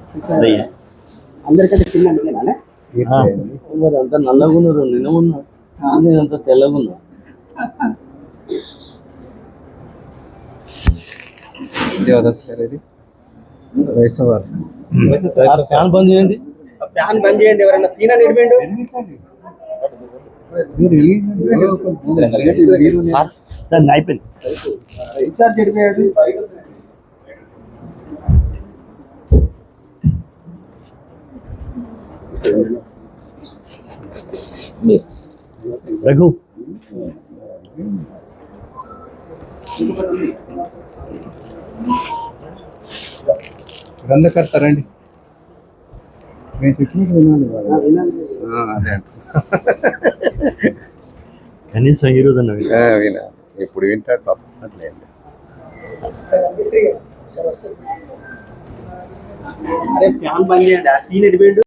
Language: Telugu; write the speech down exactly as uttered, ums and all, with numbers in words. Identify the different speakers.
Speaker 1: అందరికంటే చిన్న మీరేనా మరి అంత నల్లగున్నారు నిన్నమున్నా అంత తెల్లగున్నా ఫ్యాన్ బంద్ చేయండి ఫ్యాన్ బంద్ చేయండి ఎవరైనా సీనా నిడిపోయిండు అయిపోయింది రీఛార్జ్ చెడిపోయాడు రఘు
Speaker 2: గ్రంథకర్తారండి మేము చెప్పినట్టు వినాలి అదే
Speaker 1: కనీసం ఈరోజు
Speaker 2: వినా ఇప్పుడు వింటాడు పాపం అట్లేదు
Speaker 1: అరే ఫ్యాన్ బంద్ చేయండి ఆ సీన్ ఎడిపోయిండు